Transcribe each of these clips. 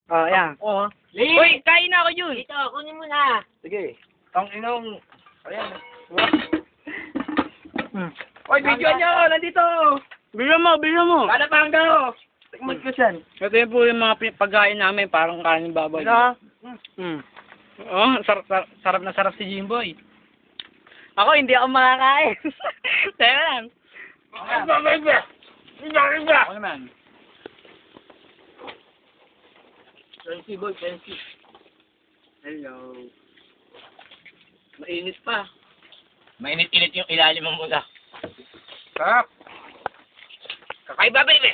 Oh, yan. Oo. Uy, kain na ako yun. Dito, kunin mo na. Sige. Ang inong... Ayan. Uy, video nyo! Nandito! Bilo mo! Kada pang daw! Tikman ko siyan. Ito yun po yung mga pagkain namin, parang kanin baboy. Oh, sarap na sarap si Jimboy. Ako, hindi ako makakain. Teka lang. Ako naman. Fancy boy, fancy. Hello. Mainit pa. Mainit-init yung ilalim mo muna. Sarap. Kakaiba, baby!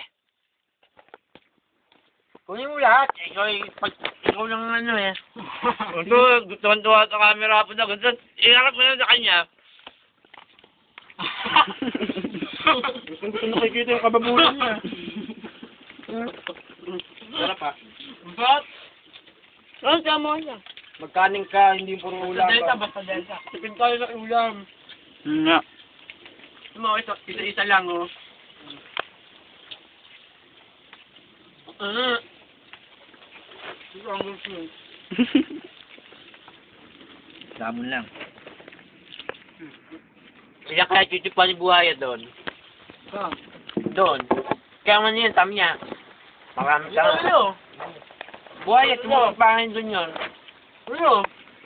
Kunin mo lahat. Ikaw lang ang ano eh. Ito, tuwan-tuwa sa camera po na. Gusto, iharap mo na sa kanya. Gusto nakikita yung kababulan niya. Sarap ha. But, Ano siya mo niya? Magkaning ka, hindi puro ulam. basta delta. Tipid tayo sa ulam. Nga. Isa-isa lang, oh. Damon lang. Kaya kaya titipan ni buhaya doon. Doon. Kaya man yun, tam niya. Marami ka. Buhaya, tumutupangin doon yun. Ano?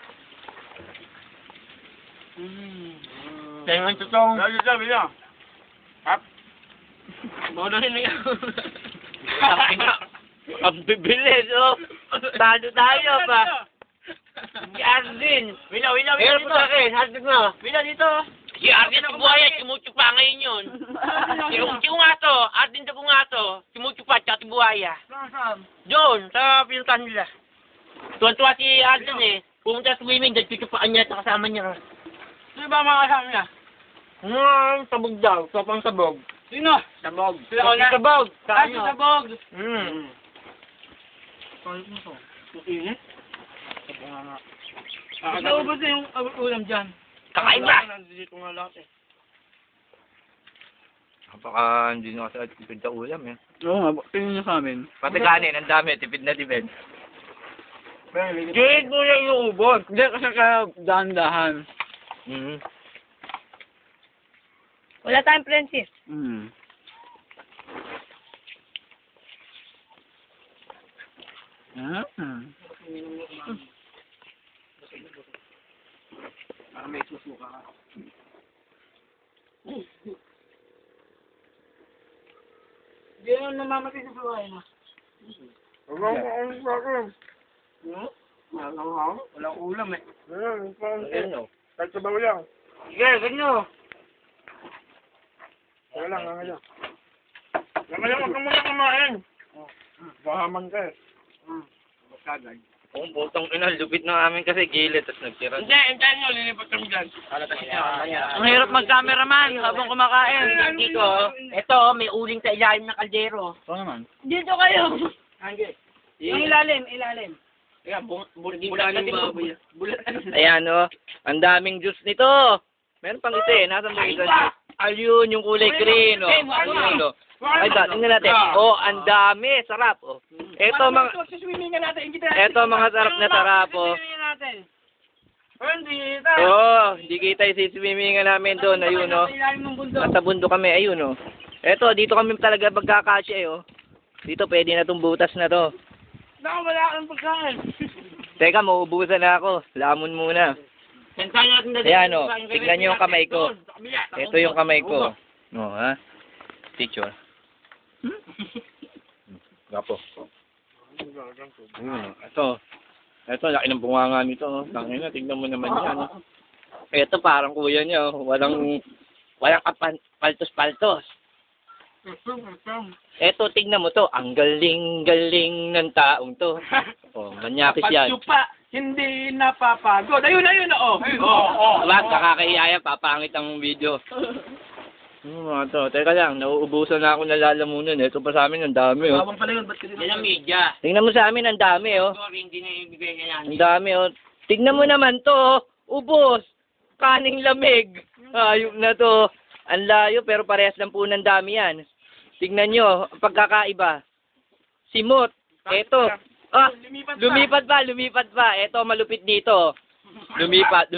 Kaya nga totoong... Sabi niya. Hap. Bodohin na yan. Ang bibilis, oh. Tado tayo pa. Si Arvin. Wilaw Meron po sa akin. Hashtag na. Wilaw dito. Si Arvin sa buhaya, simuchupa ngayon yun. Si Ungato, Arvin sa Ungato, simuchupa, tsaka si buhaya. Doon, sa pinuntahan nila. Tuwan-tuwa si Arvin eh. Pumunta sa swimming, dahil chuchupaan niya at kasama niya. Sino ba mga kasama niya? Sabog daw, sopang sabog. Sino? Sabog. Sila ko na. Sabog. Kasi sabog. Init? Naubos na yung ulam dyan. Kakaiba. Nandito nga lahat eh. Baka hindi nyo kasi tipid sa ulam eh. Oo nga, tingin niyo sa amin. Pati kanin, ang dami. Tipid na tipid. Gate mo yung iuubos. Hindi, kasi kaya dahan-dahan. Wala tayong Francis. May susuka ka. Hindi naman namamatay sa buhay na. Walang ulam eh. Ano? Kahit sabaw lang. Sige, ganyo. Wala lang, lang. Ngayon, huwag ka muna kumain. Bahaman ka eh. Magkagay. Kung putong ina, lupit na amin kasi gilid at nagtira. Hindi, hintayin nyo, lilipat kami dyan. Ang hirap mag-cameraman habang kumakain. Dito, ito, may uling sa ilalim ng kaldero. Ito naman. Dito kayo. Hanggang. Yung ilalim. Bulat na baboy. Bulat na. Ayan o, ang daming juice nito. Meron pang isa eh, nasa mo isa juice. Ayun, yung kulay green o. Ayun o. Ay, tingnan natin. Oh, ang dami, sarap o. Ito mga sarap na sarap o. Hindi kita isiswimmingan namin doon, ayun o. Nasa bundok kami, ayun o. Ito, dito kami talaga magkakasya eh o. Dito pwede na itong butas na to. Wala kang pagkain. Teka, mauubusan na ako. Lamon muna. Ayan o, tignan nyo yung kamay ko. Ito yung kamay ko. O, ha? Picture. Gapo. Ito, laki ng bunganga nito. Tangina, tignan mo naman yan. Ito, parang kuya niya. Walang paltos-paltos. Eto, tignan mo to. Ang galing-galing ng taong to. Oh, manyakis yan. Pagsupa, hindi napapagod. Ayun, oh. Wag, kakakahiyaya, papangit ang video. Mga to, teka lang, nauubusan na ako nalalamunan. Ito pa sa amin, ang dami, oh. Yan ang media. Tingnan mo sa amin, ang dami, oh. Sorry, hindi na ibigay niya yan. Ang dami, oh. Tignan mo naman to, oh. Ubos. Kaning lamig. Ayok na to. Ang layo, pero parehas lang po ng dami yan. Tignan nyo, ang pagkakaiba. Simot. Eto, Ah, lumipat pa. Eto, malupit dito. Lumipat.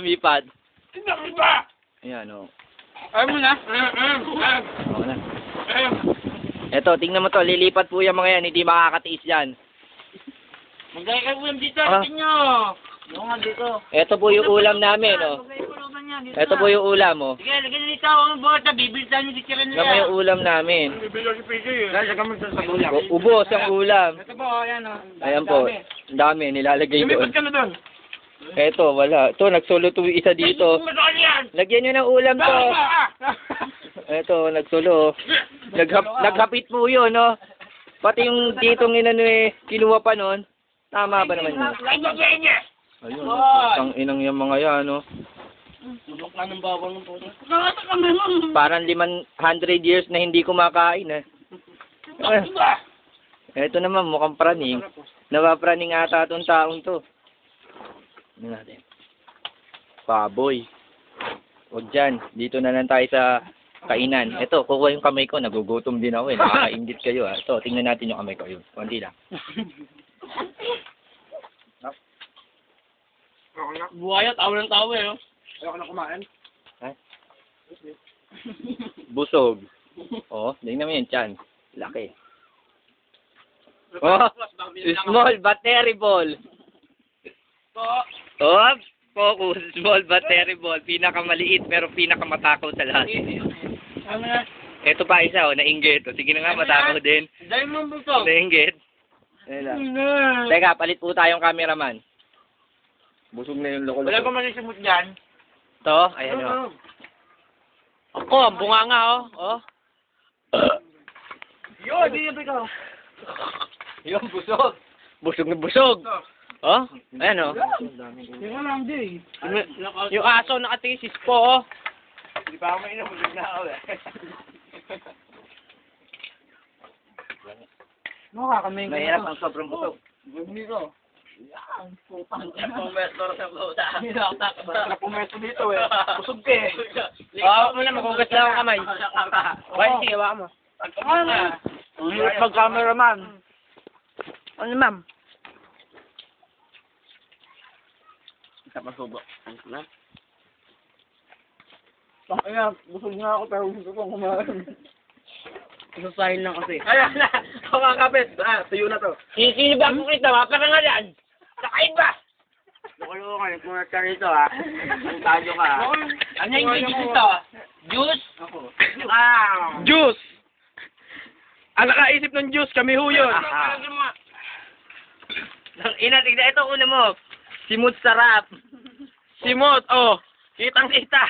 Ayan, oh. Ayaw mo na. Oo na. Eto, tingnan mo to. Lilipat po yung mga yan. Hindi makakatiis yan. Magdaya kayo ulam dito. Ah. Tingin nyo. Yung nga dito. Eto po yung ulam namin, oh. Eto po yung ulam, oh. Sige, lagyan nyo dito. Ang bota. Bibilisan nyo dito rin Tingnan mo yung ulam namin. Lagyan mo sa ulam. Ubos ang ulam. Ito po, ayan o. Ayan po. Ang dami. Nilalagay doon. Lumipat ka na doon. Eto, wala. Ito, nagsolo to isa dito. Lagyan nyo ng ulam to. Eto, nagsolo. Naghapit po yun, no? Pati yung ditong inano eh, kinuha pa nun. Tama ba naman yun? Ayun, ang inang yung mga yan, no? Tulok na ng bawang ng puto. Parang 500 years na hindi kumakain, eh. Eto naman, mukhang praning. Napapraning ata itong taong to. Ano natin? Baboy. Huwag dyan. Dito na lang tayo sa kainan. Ito, kukuha yung kamay ko. Nagugutom din ako eh. Nakakaingit kayo ah. Ito, tingnan natin yung kamay ko. Yun. Kunti lang. Buhaya, tawa ng tawa eh. Ayaw ka na kumain. Busog. Oh, tingnan mo yun, chan. Laki. Oh, small but terrible. Oh, focus. Small but terrible. Pinakamaliit pero pinakamatakow sa lahat. Ito pa isa, oh, nainggit. Oh, sige na nga, matakaw din. Dahil mo buto. Nainggit. Ayan lang. Teka, palit po tayong cameraman. Busog na yung loko-loko. Wala pa man yung simot dyan. Ito, ayan o. Ako, ang bunganga oh. Oh. Yun, di yung ikaw. Yung busog. Busog na busog. Oh, ayan o. Yung lang di. Yung aso nakatisis po oh. Hindi pa ako mainom, busog na ako eh. Makakamay ka. Mahirap ang sobrang busog. Hindi ko. Pumesto sa buta. Basta pumesto dito eh. Busog ka eh. Oo, muna magugas lang ang kamay. Okay, sige, waka mo. Ang hirap mag-cameraman. Ano ma'am? Isa pa subo. Ayan, busog na ako pero gusto kong kumain. Isasahin lang kasi. Ayan na! Mga kapit! Tuyo na to. Sisilibak ko kita, maparangalan. Nakain ba? Nakulungan, kung ka rito ha. Ang tayo ka. Ano yung ingredients dito? Juice? Juice! Ang nakaisip ng juice, kami ho yun. Ina, tignan ito una mo. Simut sarap. Simot, oh. Kitang-kita.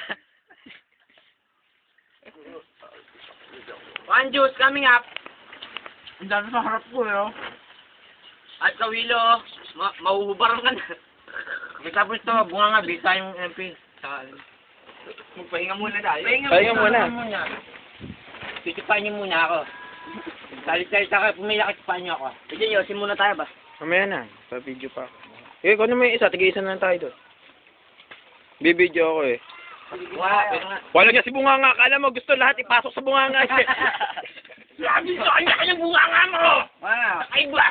One juice coming up. Ang dami sa harap ko eh, oh. At Kawilo, mahuhubaran ka na. Tapos ito, bunga nga, bisa yung MP. Magpahinga muna tayo. Pahinga muna. Titipan niyo muna ako. Salit-salit ako, pumila kitipan niyo ako. Sige, yosin muna tayo ba? Mamaya na, sa video pa. Eh, kung ano may isa, tig-isa na lang tayo doon. Bibidyo ako eh. Wala niya si Bunganga, akala mo gusto lahat ipasok sa Bunganga. Sabi sa kanya kanyang Bunganga mo! Ay ba?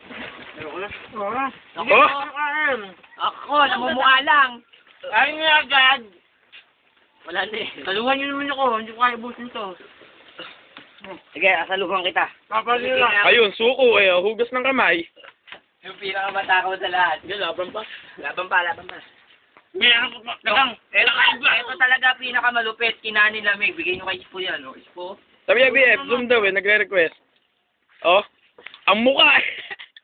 Oh? Ako, namumukha lang. Ay nga agad! Wala na eh. Taluhan niyo naman ako, hindi ko kaya busin to. Sige, asaluhan kita. Papalit lang. Ayun, suko eh, hugas ng kamay. Yung pinakamatakaw sa lahat. Sige, laban pa. Laban pa. Meron ko pa. Nakang, Ito talaga pinakamalupit. Kinanin lamig. Bigay nyo kay Ispo yan, no? Ispo. Sabi niya, BF, zoom daw eh, nagre-request. Oh, ang mukha eh.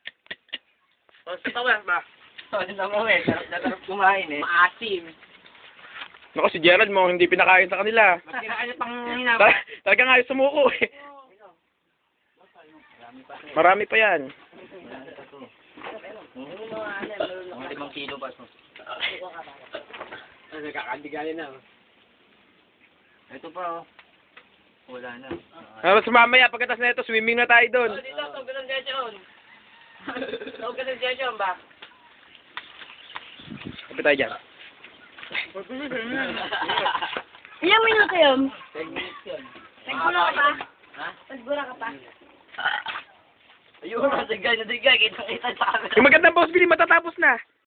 Sa tawas ba? Ano naman eh. Sarap na sarap kumain eh. Maasim. Naku, si Gerald mo, hindi pinakain sa kanila. Mas kinakain pang hinapa. Talaga nga yung sumuko eh. Marami pa yan. Mga 5 kilo ba? Nagkakandigali na. Ito pa oh. Wala na. Tapos mamaya, pagkatas na ito, swimming na tayo doon. Dito, tawag ka ng Jejon. Tawag ka ng Jejon ba? Kapit tayo dyan. Ilang minuto yun? 10 minutes yun. Nagbura ka pa? Ha? Nagbura ka pa? Ayun, nadigay. Kita sa akin. Yung magandang boss, Billy, matatapos na.